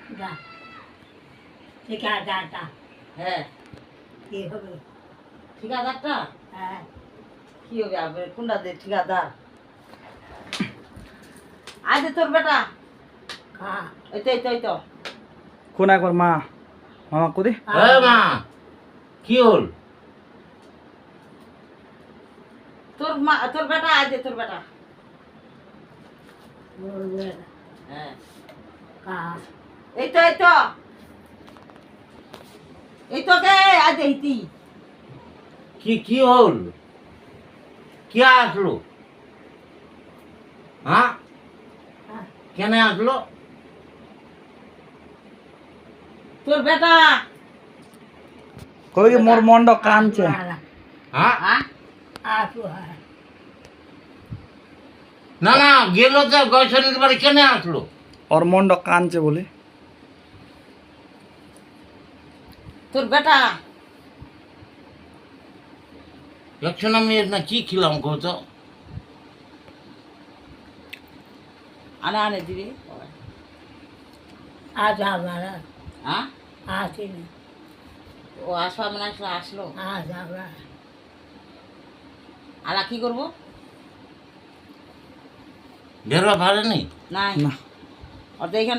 যা ঠিকাদারটা হ্যাঁ কি হবে? ঠিকাদারটা হ্যাঁ কি হবে আবার কোনটা দে ঠিকাদার আজ তোর বেটা খা এই তো কোন একবার মা মামা কোদি মা কি হল? তোর বেটা আজ তোর বেটা বলবে হ্যাঁ খা এই তো কে আজ এইতি কি হল? কে আসলো? হ্যাঁ কেন আসলো? তোর বেটা কই কি মোর মন্ড কানছে হ্যাঁ হ্যাঁ আসু হ্যাঁ না গেল তো গৈশরীর বাড়ি কেন আসলো? ওর মন্ড কানছে বলে তোর বেটা একশো আমি না কি খেলাম কত? আনে দিবি আজ আমার হ্যাঁ আসিনি ও আসবা মানে আসলো আজ আমরা আলা কি করবো ঢেরা ভাড়ে নেই নাই না ওর তো এখানে